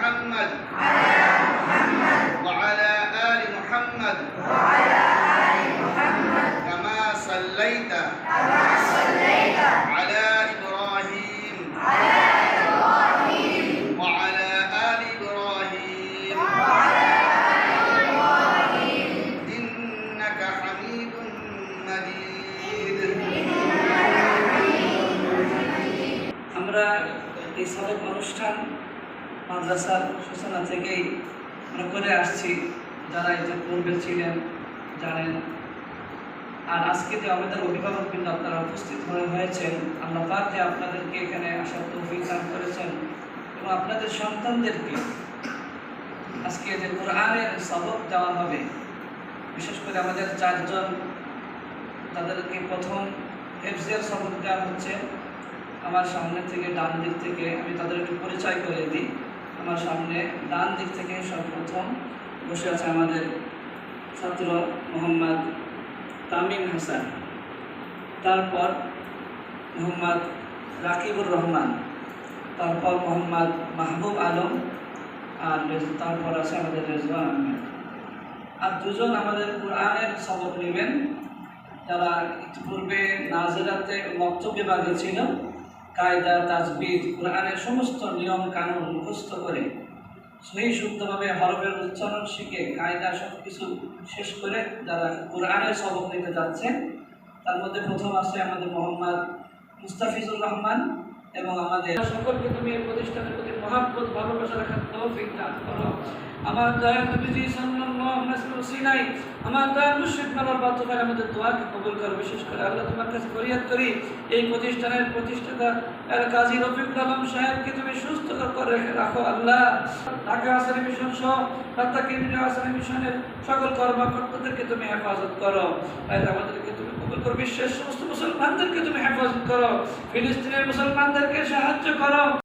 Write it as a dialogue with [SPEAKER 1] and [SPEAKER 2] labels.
[SPEAKER 1] محمد وعلى آل محمد كما صليت على إبراهيم وعلى آل إبراهيم إنك حميد مجيد
[SPEAKER 2] আমরা এই সাবেক অনুষ্ঠান মাদ্রাসার সূচনা থেকেই আমরা করে আসছি। যারা এই যে পূর্বে ছিলেন জানেন। আর আজকে যে আমাদের অভিভাবকবৃন্দ আপনারা উপস্থিত হয়েছেন, আল্লাহ পাক যে আপনাদেরকে এখানে আসার তৌফিক দান করেছেন এবং আপনাদের সন্তানদেরকে আজকে যে কোরআনের সবক দেওয়া হবে, বিশেষ করে আমাদের চারজন তাদেরকে প্রথম হেফজের সবক দেওয়া হচ্ছে। আমার সামনে থেকে ডান দিক থেকে আমি তাদের একটু পরিচয় করে দিই। আমার সামনে ডান দিক থেকে সর্বপ্রথম বসে আছে আমাদের ছাত্র মোহাম্মদ তামিম হাসান, তারপর মোহাম্মদ রাকিবুর রহমান, তারপর মোহাম্মদ মাহবুব আলম, আর তারপর আছে আমাদের রেজওয়ান আহমেদ। আর দুজন আমাদের কোরআনের সবক নেবেন, যারা ইতিপূর্বে নাজিরাতে মক্তব বিভাগে ছিল। কায়দা, তাজবিদ, কোরআনের সমস্ত নিয়ম কানুন মুখস্থ করে সহি শুদ্ধভাবে হরফের উচ্চারণ শিখে কায়দা সব কিছু শেষ করে যারা কোরআনের সবক নিতে যাচ্ছেন, তার মধ্যে প্রথম আছে আমাদের মোহাম্মদ মুস্তাফিজুর রহমান। এবং আমাদের সকলকে তুমি এই প্রতিষ্ঠানের প্রতি মহাব্বত ভালোবাসা রাখার তৌফিক দান করো। আমার দয়াল নবীজি সাল্লাল্লাহু আলাইহি ওয়াসাল্লাম, আমার দয়াল মুর্শিদ মাওলানা বাতুফার আমাদের দোয়াকে কবুল করো। বিশেষ করে আল্লাহ তোমার কাছে ফরিয়াদ করি, এই প্রতিষ্ঠানের প্রতিষ্ঠাতা কাজী রফিকুল আলম সাহেবকে তুমি সুস্থ করে রাখো আল্লাহ। ঢাকা আসরে মিশন সহ আসরে মিশনের সকল কর্মকর্তাদেরকে তুমি হেফাজত করো। আমাদেরকে তুমি কবুল করো। বিশ্বের সমস্ত মুসলমানদেরকে তুমি হেফাজত করো। ফিলিস্তিনের মুসলমানদেরকে সাহায্য করো।